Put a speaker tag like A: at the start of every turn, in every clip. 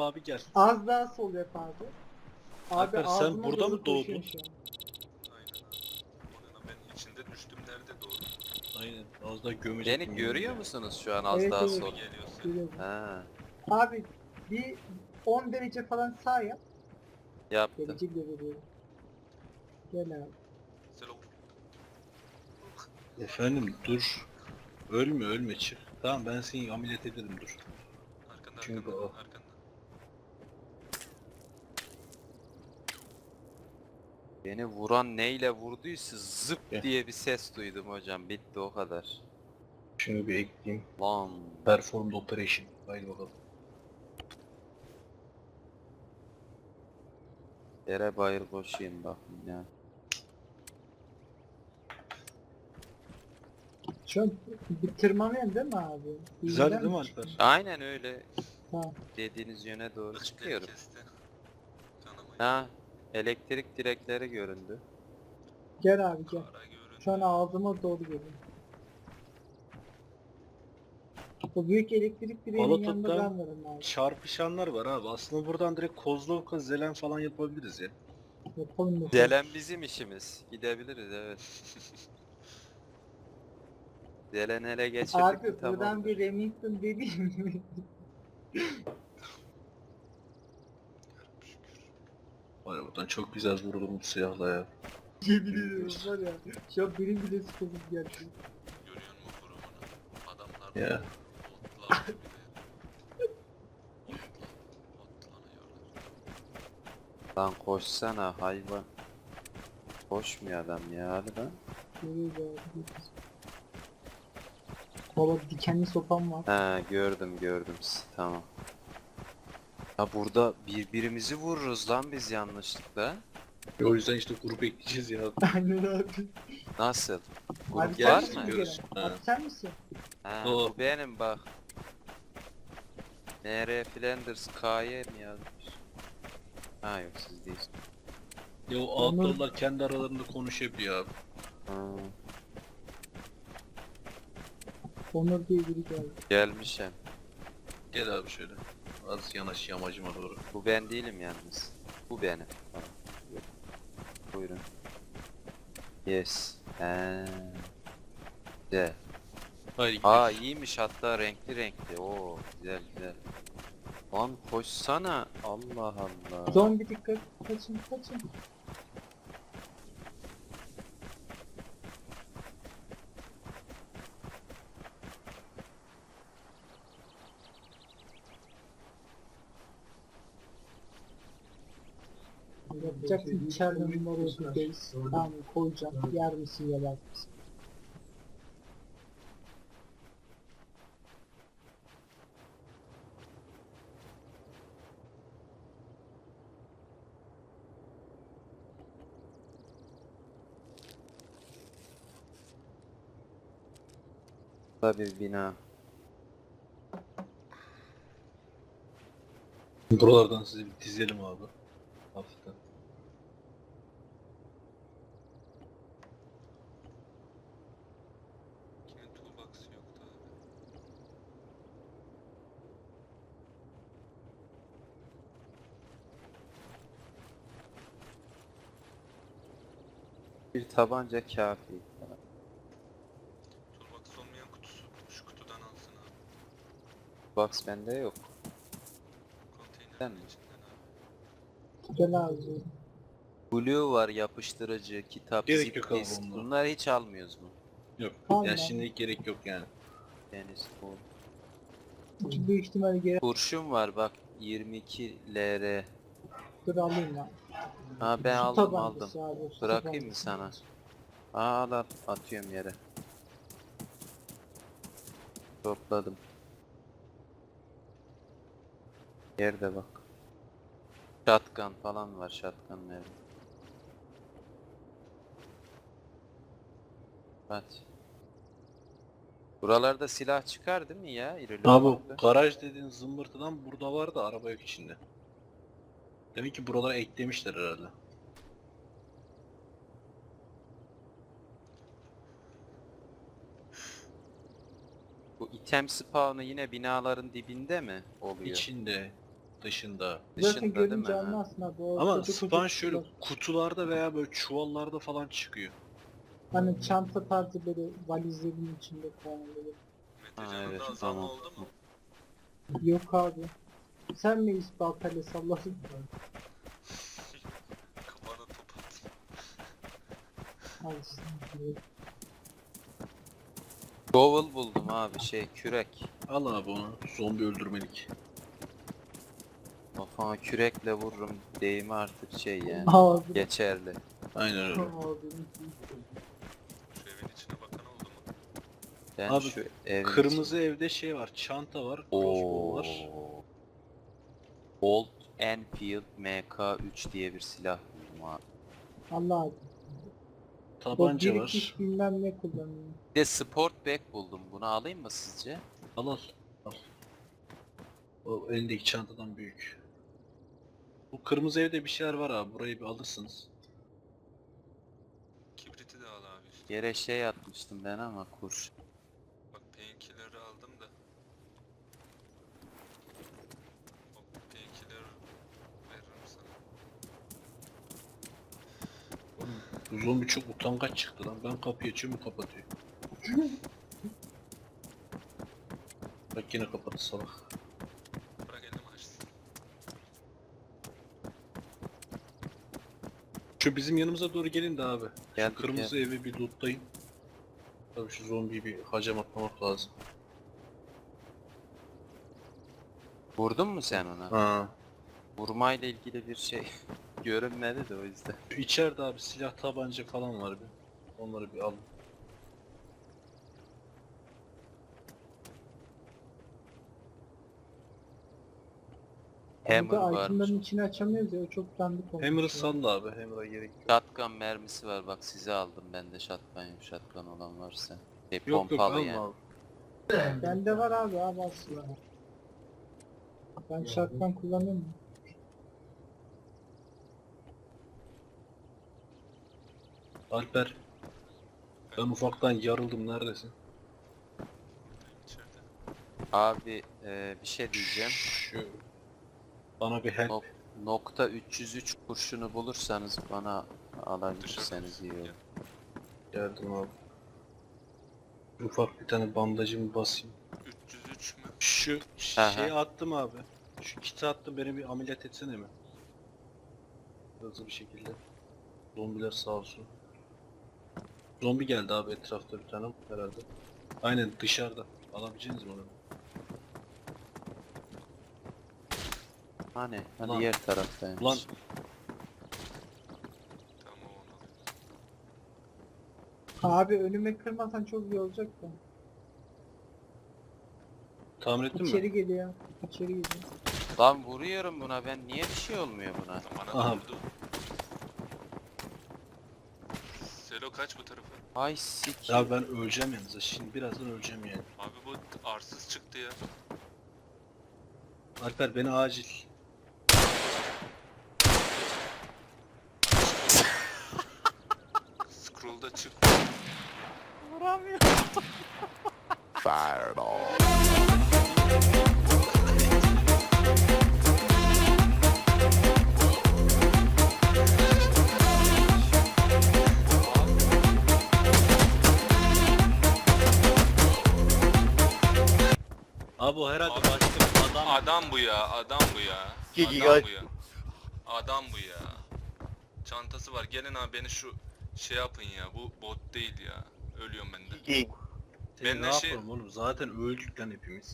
A: abi gel.
B: Az daha sol yap abi. Abi
A: Alper, sen
B: ağzıma
A: burada
B: doğru
A: mı doğdun?
B: koşuyorum şu an.
C: Aynen abi. O ne lan, ben içinde düştüm, nerede doğru?
A: Aynen. Az daha gömecektim.
D: Beni görüyor
A: yeminle.
D: musunuz şu an az
B: Evet,
D: daha
B: evet.
D: sol?
C: Geliyorsun.
B: Görüyorum.
D: Ha,
B: Abi bir 10 derece falan sağ yap.
D: yaptım.
B: Derece bile veriyorum. Gel abi.
C: Selam.
A: Efendim dur. Ölme çık. Tamam ben seni ameliyat ederim dur.
C: Arkanda
A: Çünkü
C: arkanda
A: o-
C: arkanda.
D: Beni vuran neyle vurduysa zıp
A: Gel.
D: diye bir ses duydum hocam. Bitti o kadar.
A: Şunu bir ekleyeyim.
D: Lan.
A: Performed operation. Haydi bakalım.
D: Yere bayır koşayım bakın ya.
B: Şu an bir tırmanıyorsun değil mi abi?
A: Güzel
B: İğneden
A: değil mi
B: mi
A: Alper?
B: çıktın?
D: Aynen öyle.
B: Tamam.
D: Dediğiniz yöne doğru
C: Işıkları
D: çıkıyorum.
C: kesti. Kanamayı.
D: Ha, elektrik direkleri göründü.
B: Gel abi gel.
C: Kara görün.
B: Şu an ağzıma doğru geliyor. O büyük elektrik direğinin yanında
A: Balatot'tan
B: ben varım abi.
A: çarpışanlar var abi. Aslında buradan direkt Kozlovka, Zelen falan yapabiliriz ya.
B: Yapalım yapalım.
D: Delen bizim işimiz. Gidebiliriz evet. Delen ele geçirdik mi
B: Abi buradan
D: tamamdır.
B: bir Remington dediğim mi?
A: Var ya buradan çok güzel vururum bu silahla ya.
B: Yemin ediyorum var ya. Şu an benim bile sıkıldım geldi.
C: Görüyor musun kurumunu? Adamlar
A: Ya.
C: otlar bir de. Otlanıyorlar.
D: Lan koşsana hayvan. Koşmuyor adam ya hadi lan.
B: Görüyoruz abi. Valla dikenli sopam var.
D: He gördüm tamam. Ya burada birbirimizi vururuz lan biz yanlışlıkla.
A: O yüzden işte grup ekleyeceğiz ya.
B: Aynen abi.
D: Nasıl?
B: Abi
D: Grup
B: sen
D: var
B: misin
D: mı?
B: gelen?
A: Ha.
B: Abi sen misin?
D: Ha,
A: O.
D: bu benim bak. NR Flanders KY mi yazmış? Ha yok siz değilsiniz.
A: Ya o outlaw kendi aralarında konuşabiliyor abi.
D: Ha,
B: Onur diye biri geldi.
D: gelmişim.
A: Gel abi şöyle. Az yanaş yamacıma doğru.
D: Bu ben değilim yalnız. Bu benim. Tamam. Buyurun. Yes. He. Güzel.
A: Haydi
D: Aa iyiymiş hatta renkli renkli. Oo güzel güzel. Lan koşsana. Allah Allah.
B: Zombi dikkat. Kaçın kaçın. Yapacaksın içeriden numara 38. Tamam koyacağım. Yer misin yemez misin?
D: Burada bir bina.
A: Buralardan sizi bir dizelim abi. Hafiften.
C: Kimin toolbox'ı yoktu abi.
D: Bir tabanca kafi.
C: Toolbox olmayan kutusu şu kutudan alsın abi.
D: Box bende yok. Sen mi?
C: Konteynerin içinden abi.
B: Gel abi.
D: Blue var yapıştırıcı, kitap,
A: Gerek
D: zip
A: yok abi
D: disk.
A: bunlara.
D: Bunları hiç almıyoruz mu?
A: Yok.
B: Tamam
A: Yani
B: abi.
A: şimdilik gerek yok yani.
D: Deniz bu.
B: Çünkü büyük ihtimalle geri
D: Kurşun var bak 22 LR.
B: dur alayım ben.
D: Ha ben
B: Su
D: aldım
B: tabancası
D: aldım.
B: abi, su
D: Bırakayım mı
B: tabancası.
D: sana? Al al atıyorum yere. Topladım. Yerde bak. Shotgun falan var shotgun nerede? Hadi. Buralarda silah çıkar değil mi ya? İrili
A: Abi
D: ufaklı.
A: garaj dediğin zımbırtıdan burada var da araba yok içinde. Demek ki buralara eklemişler herhalde.
D: Bu item spawn'ı yine binaların dibinde mi oluyor?
A: İçinde. dışında.
B: Zaten
D: Dışında değil mi?
B: görünce
D: Ha.
B: anlarsın abi. O
A: Ama
B: koca koca
A: spawn şöyle
B: kutular.
A: kutularda veya böyle çuvallarda falan çıkıyor.
B: Hani çanta tarzı böyle valizlerin içinde falan böyle.
C: Metecan'ın
D: evet,
C: da azalma
D: tamam.
C: oldu mu?
B: Yok abi. Sen mi baltayla salladın?
C: Kafana top at.
B: Al işte.
D: Shovel buldum abi, kürek.
A: Al abi onu. Zombi öldürmelik.
D: Kafana kürekle vururum deyimi artık yani.
B: Abi.
D: Geçerli.
A: Aynen öyle.
B: Abi.
C: Şu evin içine bakan oldu mu?
D: Ben
A: Abi,
D: şu evin
A: Kırmızı evde şey var. Çanta var. Crossbow var.
D: Oo. Old Enfield MK3 diye bir silah buldum abi.
B: Allah abi. O
A: Tabanca
B: birikmiş
A: var.
B: bilmem ne kullanıyor.
D: Bir de Sportback buldum. Bunu alayım mı sizce?
A: Al al. Al. O elindeki çantadan büyük. Bu kırmızı evde bir şeyler var abi. Burayı bir alırsınız.
C: Kibriti de al abi işte.
D: Yere atmıştım ben ama kurşun.
C: Bak painkiller'ı aldım da. O painkiller veririm sana.
A: Oğlum, bu zombi çok utangaç çıktı lan. Ben kapıyı açıyorum o kapatıyor. Bak yine kapattı salak.
C: Bırak elimi açsın.
A: Şu bizim yanımıza doğru gelin de abi.
D: Geldik,
A: Şu kırmızı evi bir lootlayın. Tabii şu zombiyi bir hacam atlamak lazım.
D: Vurdun mu sen ona?
A: Ha.
D: Vurmayla ilgili bir şey görünmedi de o yüzden.
A: Şu içeride abi silah tabanca falan var bir. Onları bir alın.
D: Hammer
B: Burada
D: var.
B: itemların içini açamıyoruz ya, o çok dandik olmuş.
A: Hammer'ı
B: ya.
A: salla abi. Hammer'a gerek yok.
D: Shotgun mermisi var, bak size aldım ben de shotgun, yok shotgun olan varsa.
A: Yok yok
D: Pompalı
A: alma
D: yani.
A: abi.
B: Bende var abi aslında. Ben shotgun kullanıyorum.
A: Alper. Ben ufaktan yarıldım neredesin?
C: İçeride.
D: Abi bir şey diyeceğim.
A: Şu. Bana bir help.
D: Nokta 303 kurşunu bulursanız bana alabilirseniz
C: Dışarıda
D: iyi
C: mısın?
D: olur.
A: Geldim abi. Ufak bir tane bandajımı basayım.
C: 303 mü?
A: Şu
D: Aha.
A: şeyi attım abi. Şu kiti attım, beni bir ameliyat etsene mi? Hızlı bir şekilde. Zombiler sağ olsun. Zombi geldi abi etrafta bir tane herhalde. Aynen dışarıda. Alabileceğiniz mi onu?
D: Hani
A: Ulan.
D: diğer taraftaymış.
A: Ulan
C: Tamam onu alayım.
B: Abi önüme kırmasan çok iyi olacak da.
A: tahmin ettin
B: İçeri
A: mi?
B: geliyor. İçeri geliyor.
D: Lan vuruyorum buna ben, niye bir şey olmuyor buna?
C: Bana
A: Aha.
C: vurdu. Selo kaç bu tarafa?
D: Ay sik.
A: Ya ben öleceğim yalnız. Şimdi birazdan öleceğim yani.
C: Abi bu arsız çıktı ya.
A: Alper beni acil.
C: Scroll'da çık.
A: Abi o herhalde
C: Abi.
A: başka bir adam.
C: Adam bu ya, adam bu ya.
E: Gigi
C: Adam
E: guys.
C: bu ya. Adam bu ya. Çantası var. Gelin abi beni şu şey yapın ya. Bu bot değil ya. Ölüyorum ben de.
E: Gigi.
A: Seni
C: Ben
A: ne
C: de şey-
A: yapalım oğlum? Zaten öldük lan hepimiz.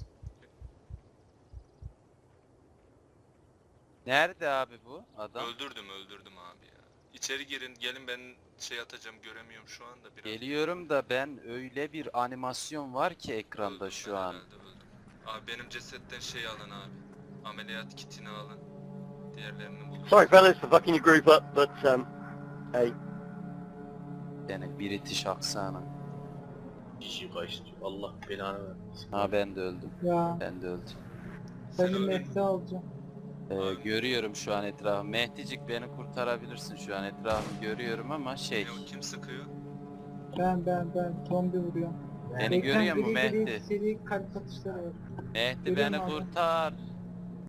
D: Nerede abi bu adam?
C: Öldürdüm abi ya. İçeri girin, gelin ben şey atacağım, göremiyorum şu anda biraz.
D: Geliyorum da ben, öyle bir animasyon var ki ekranda
C: Öldüm
D: şu
C: ben
D: an.
C: herhalde, öldüm. Abi benim cesetten şey alın abi. Ameliyat kitini alın. Diğerlerini bulun.
E: Sorry fellas for fucking your group up, but hey,
D: Yani British aksanı.
A: Kişi kaçtı. Allah belanı vermesin.
D: Ha ben de öldüm.
B: Ya
D: Ben de öldüm.
B: ben
C: Sen
B: de
C: öldün mü?
B: mefte alacağım.
D: Görüyorum şu an etrafı. Mehticik beni kurtarabilirsin, şu an etrafımı görüyorum ama
C: Ne o, kim sıkıyor?
B: Ben zombi vuruyorum.
D: Beni görüyor mu
B: Ekran gri gri
D: Mehdi?
B: Seri kalp atışları var.
D: Mehdi
B: Görüyorum
D: beni
B: abi.
D: kurtar.